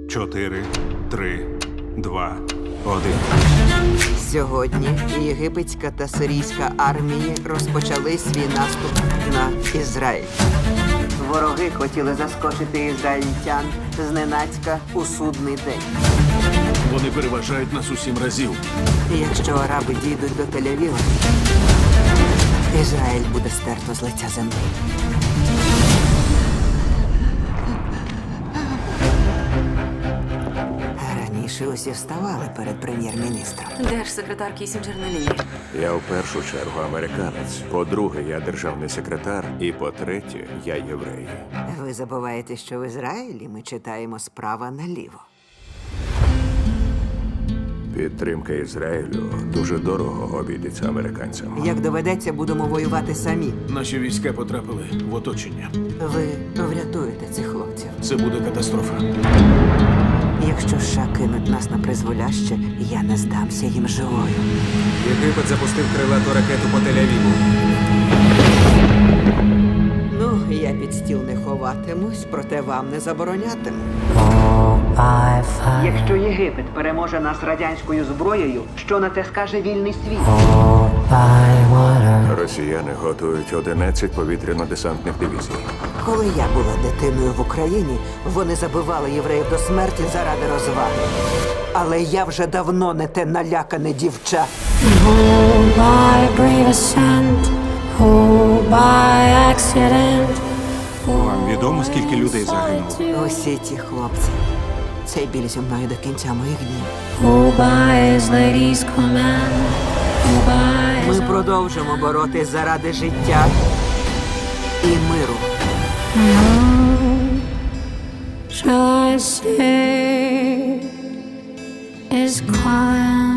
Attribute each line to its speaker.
Speaker 1: 4, 3, 2, 1.
Speaker 2: Сьогодні єгипетська та сирійська армії розпочали свій наступ на Ізраїль. Вороги хотіли заскочити ізраїльтян зненацька у судний день.
Speaker 3: Вони переважають нас у 7 разів.
Speaker 2: І якщо араби дійдуть до Тель-Авіва, Ізраїль буде стерто з лиця землі. Раніше усі вставали перед прем'єр-міністром.
Speaker 4: Де ж секретар Кісінджер на лінії?
Speaker 5: Я в першу чергу американець. По-друге, я державний секретар. І по-третє, я єврей.
Speaker 2: Ви забуваєте, що в Ізраїлі ми читаємо справа наліво.
Speaker 5: Підтримка Ізраїлю дуже дорого обійдеться американцям.
Speaker 2: Як доведеться, будемо воювати самі.
Speaker 3: Наші війська потрапили в оточення.
Speaker 2: Ви врятуєте цих хлопців.
Speaker 3: Це буде катастрофа.
Speaker 2: Якщо США кинуть нас на призволяще, я не здамся їм живою.
Speaker 6: Єгипет запустив крилату ракету по Тель-Авіву.
Speaker 2: Ну, я під стіл не ховатимусь, проте вам не заборонятиму. Якщо Єгипет переможе нас радянською зброєю, що на це скаже вільний світ?
Speaker 5: Росіяни готують 11 повітряно-десантних дивізій.
Speaker 2: Коли я була дитиною в Україні, вони забивали євреїв до смерті заради розваги. Але я вже давно не те налякане дівча.
Speaker 7: Oh, by brave ascent, oh, by accident.
Speaker 1: Вам відомо, скільки людей загинуло?
Speaker 2: Усі ті хлопці. Цей біль зі мною до кінця моїх днів.
Speaker 7: Oh, by his lady's command, oh, by
Speaker 2: Ми
Speaker 7: his
Speaker 2: продовжимо боротись заради життя і миру.
Speaker 7: shall I say is calling.